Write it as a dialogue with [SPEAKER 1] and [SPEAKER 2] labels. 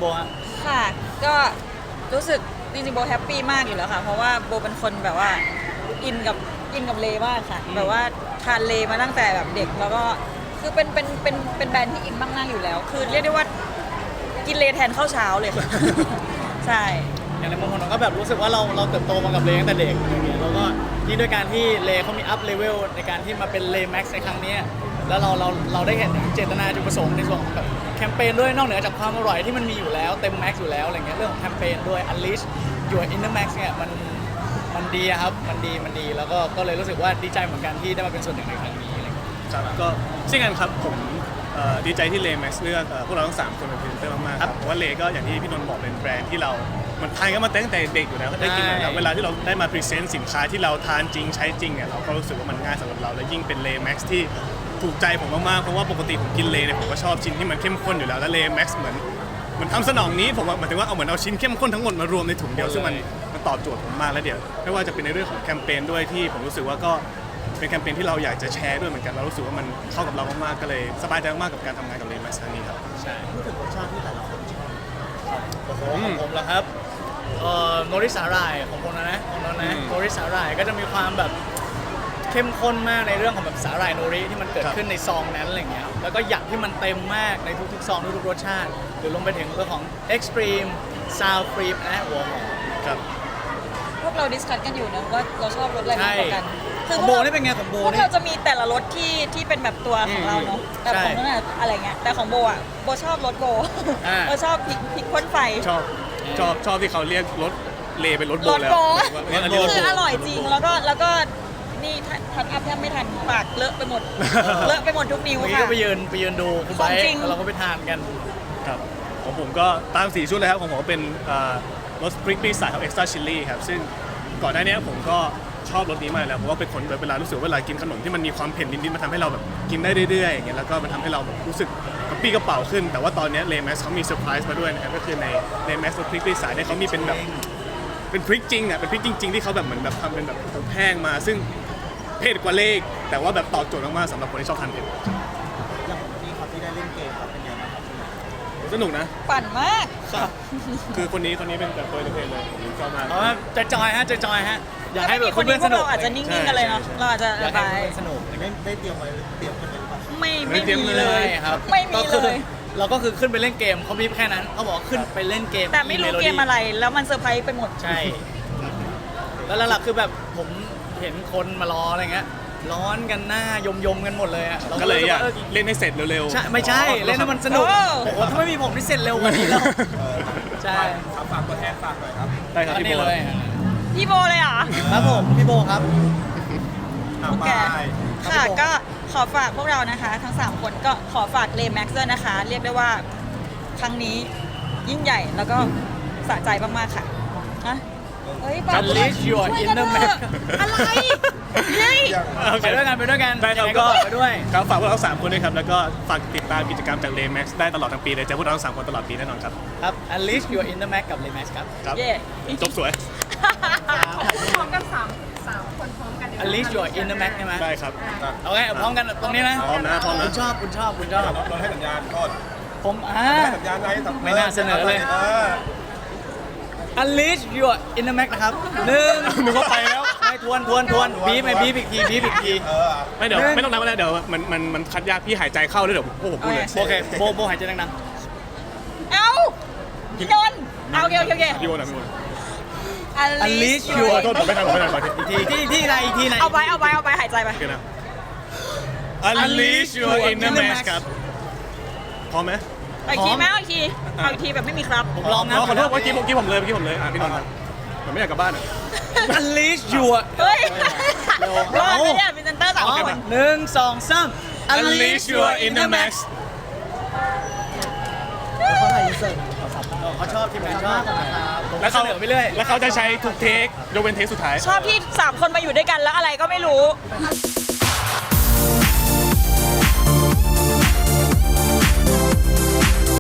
[SPEAKER 1] โบฮะ
[SPEAKER 2] ค่ะก็รู้สึกจริงๆโบแฮปปี้มากอยู่แล้วค่ะเพราะว่าโบเป็นคนแบบว่าอินกับเลมากค่ะแบบว่าทานเลมาตั้งแต่แบบเด็กแล้วก็คือเป็นแบรนด์ที่อินมากๆอยู่แล้ว คือเรียกได้ว่ากินเลแทนข้าวเช้าเลยค่ะ ใช่
[SPEAKER 1] อย่างในมุมของเราก็แบบรู้สึกว่าเราเติบโตมากับเลตั้งแต่เด็กอย่างเงี้ยแล้วก็ยิ่งด้วยการที่เลเขามีอัพเลเวลในการที่มาเป็นเลแม็กซ์ในครั้งนี้แล้วเราได้เห็นถึงเจตนาจุดประสงค์ในส่วนของแบบแคมเปญด้วยนอกเหนือจากความอร่อยที่มันมีอยู่แล้วเต็มแม็กซ์อยู่แล้วอะไรเงี้ยเรื่องของแคมเปญด้วย Unleash Your Inner Max เนี่ยมันดีครับมันดีแล้วก็เลยรู้สึกว่าดีใจเหมือนกันที่ได้มาเป็นส่วนหนึ่งในครั้งนี้อะไรเงี้ย
[SPEAKER 3] ครับก็เช่นกันครับผมดีใจที่เลแม็กซ์เลือกพวกเราทั้ง3คนเป็นพรีเซนเตอร์มากๆครับเพราะว่าเลก็อย่างที่พี่นนท์บอกเป็นแบรนด์ที่เรามันทานกันมาตั้งแต่เด็กอยู่แล้วได้กินแล้วเวลาที่เราได้มาพรีเซนต์สินค้าที่เราทานจริงใช้จริงเนี่ยเราก็รู้สึกว่ามันง่ายสำหรับเราและยิ่งเป็นเลแม็กซ์ที่ถูกใจผมมากๆเพราะว่าปกติผมกินเลเนี่ยผมก็ชอบชิ้นที่มันเข้มข้นอยู่แล้วและเลแม็กซ์เหมือนทำสนองนี้ผมหมายถึงว่าเอาเหมือนเอาชิ้นเข้มข้นทั้งหมดมารวมในถุงเดียวซึ่งมันตอบโจทย์ผมมากแล้วเดี๋ยวไม่ว่าจะเป็นในเรื่องของแคมเปญด้วยที่ผมรู้สึกว่าก็เป็นแคมเปญที่เราอยากจะแชร์ด้วยเหมือนกันเรารู้สึกว่ามันเข้ากับเรามากๆก็เลยสบายใจมากกับการทำงานกับเลแม็กซ์ครั้งนี้ครับ
[SPEAKER 1] ใช่
[SPEAKER 4] พูดถึงรสชาติที่แต่ละคนชอบ
[SPEAKER 1] โอ้โหของผมเหรอครับโนริสาหร่ายของผมนะโนริสาหร่ายก็จะมีความแบบเข้มข้นมากในเรื่องของแบบสาหร่ายโนริที่มันเกิดขึ้นในซองนั้นอะไรเงี้ยแล้วก็หยักที่มันเต็มมากในทุกๆซองทุกๆรสชาติหรือลงไปถึงเรื่องของ Extreme Sour Cream และหัวหอมครับ
[SPEAKER 2] พวกเราดิสคัสกันอยู่นะว่าเราชอบรสอะไรมากกว่ากัน
[SPEAKER 1] ของโบนี่เป็นไงของโบ
[SPEAKER 2] พวกเราจะมีแต่ละรสที่เป็นแบบตัวของเราเนาะแต่ของนั่นอะไรเงี้ยแต่ของโบอ่ะโบชอบรสโบโบชอบพริกพ่นไฟ
[SPEAKER 3] ชอบที่เขาเรียกรถเลเป็นรถโบแล้ว
[SPEAKER 2] คืออร่อยจริงแล้วก็นี่ทันอัพแทบไม่ทันปากเลอะไปหมดเลอะไปหมดทุกนิ้วค่ะ
[SPEAKER 1] ก็ไปยืนดูคุณไบค์แล้วเราก็ไปทานกัน
[SPEAKER 3] ครับของผมก็ตาม4ชุดเลยครับของผมเป็นรสพริกปี้สายครับเอ็กซ์ตร้าชิลลี่ครับซึ่งก่อนหน้านี้ผมก็ชอบรสนี้มาแล้วเพราะว่าเป็นคนเวลารู้สึกเวลากินขนมที่มันมีความเผ็ดนิดๆมันทำให้เราแบบกินได้เรื่อยๆอย่างเงี้ยแล้วก็มันทำให้เราแบบรู้สึกกระปี้กระเป๋าขึ้นแต่ว่าตอนนี้เลแม็กซ์เขามีเซอร์ไพรส์มาด้วยนะครับก็คือในเลแม็กซ์รสพริกปี้สายเนี่ยเขามีเป็นแบบเป็นพริกจริงอ่ะเป็นพริกจริงๆที่เขาแบบเหมือนแบบทำเป็นแบบอบแห้งมาซึ่งเผ็ดกว่าเลขแต่ว่าแบบตอบโจทย์มากๆสำหรับคนที่ชอบทานเผ็ด
[SPEAKER 4] อย่างนี้ครับที่ได้เล่นเกมครับเป็นไงบ้างครับ
[SPEAKER 3] สนุกนะ
[SPEAKER 2] ปั่นมาก
[SPEAKER 3] คือคนนี้เป็นแบบตัวเพลเลยผมชอบมาก
[SPEAKER 1] จะจอยฮะอยากให้แบบ
[SPEAKER 2] คน
[SPEAKER 1] สนุก
[SPEAKER 2] เราอาจจะนิ่งๆกันเลยเนาะเราอาจจะ
[SPEAKER 1] ระบายสนุก
[SPEAKER 4] ได้เตรียมกันเลยหรือเปล่า
[SPEAKER 2] ไม่มีเลย
[SPEAKER 1] ครับ
[SPEAKER 2] ไม่มีเลย
[SPEAKER 1] เราก็คือขึ้นไปเล่นเกมเขาบีบแค่นั้นเขาบอกขึ้นไปเล่นเกม
[SPEAKER 2] แต่ไม่รู้เกมอะไรแล้วมันเซอร์ไพรส์ไปหมด
[SPEAKER 1] ใช่แล้วหลักๆคือแบบผมเห็นคนมารออะไรเงี้ยร้อนกันหน้ายมกันหมดเลยอ่ะ
[SPEAKER 3] ก็เลยอยากเล่นให้เสร็จเร็ว
[SPEAKER 1] ๆใช่ไม่ใช่เล่นให้มันสนุกโอ้โหถ้าไม่มีผมนี่เสร็จเร็วกว่านี้แล้วใช่
[SPEAKER 4] ฝากตัวแทนฝากหน่อยครับ
[SPEAKER 3] ได้ครับพี่โบ
[SPEAKER 2] เลยพี่โบเลยเหรอ
[SPEAKER 1] ครับผมพี่โบครับ
[SPEAKER 2] โอเคค่ะก็ขอฝากพวกเรานะคะทั้ง3คนก็ขอฝากเลแม็กซ์ด้วยนะคะเรียกได้ว่าครั้งนี้ยิ่งใหญ่แล้วก็สะใจมากๆค่ะนะเฮ้ย
[SPEAKER 1] บัลลิชยูอินเนอร์แม็ก
[SPEAKER 2] อะไรเฮ้ย
[SPEAKER 1] ไปด้วยกัน
[SPEAKER 3] ได้ครับก็
[SPEAKER 1] ไปด้วย
[SPEAKER 3] ครับฝากพวกเรา3คนด้วยครับแล้วก็ฝากติดตามกิจกรรมจากเลแม็กซ์ได้ตลอดทั้งปีเลยเจอพวกเราทั้ง3คนตลอดปีแน่นอนครับ
[SPEAKER 1] ครับ Unleash Your Inner Max กับ Lemex ครับ
[SPEAKER 3] จบสวย
[SPEAKER 2] พร้อมกัน3คนพร้อมกัน
[SPEAKER 1] Unleash Your Inner Max ใช่ไหม
[SPEAKER 3] ได้ครับ
[SPEAKER 1] โอเคพร้อมกันตรงนี้นะ
[SPEAKER 3] พร้อมนะ
[SPEAKER 1] คุณชอบ
[SPEAKER 4] เราให้สัญญาณก่อน
[SPEAKER 1] ผม
[SPEAKER 4] สัญญาณ
[SPEAKER 1] ไม่น่าเสนอเลย Unleash Your Inner Max นะครับ1
[SPEAKER 3] นึกว่าไปแล้ว
[SPEAKER 1] ไม่ทวนบีบอีกที
[SPEAKER 3] ไม่เดี๋ยวไม่ต้องนับแล้วเดี๋ยวมันคัดยากพี่หายใจเข้าแล้วเดี๋ยวพวกผมพูดเลย
[SPEAKER 1] โอเคโบหายใจดัง
[SPEAKER 2] ๆเอาพี่นนท์เอาโอเค
[SPEAKER 3] พี่โบนะพี่โบ
[SPEAKER 1] Unleash Your
[SPEAKER 3] โทษผมไม่ทัน
[SPEAKER 1] ที่ไหนอีกทีไหน
[SPEAKER 2] เอาไปหายใจไป
[SPEAKER 3] Unleash Your Inner Max ครับพร้อมไหม
[SPEAKER 2] อีกทีไหมอีกทีแบบไม่มีครับ
[SPEAKER 1] ผมลองนะ
[SPEAKER 3] ขอโทษเมื่อกี้ผมเลยพี่นนท์ผมไม่อยากกลับบ้าน
[SPEAKER 1] Unleash Your
[SPEAKER 2] เฮ้ยรอดไม่ได้เป็นเซนเตอร์3
[SPEAKER 1] 1 2 3
[SPEAKER 3] Unleash Your Inner Max
[SPEAKER 1] เขาชอบทีมงานชอบ
[SPEAKER 3] แล้วเขาไปเรื่อยแล้วเขาจะใช้ทุกเทคยกเว้นเทคสุดท้าย
[SPEAKER 2] ชอบที่3คนมาอยู่ด้วยกันแล้วอะไรก็ไม่รู้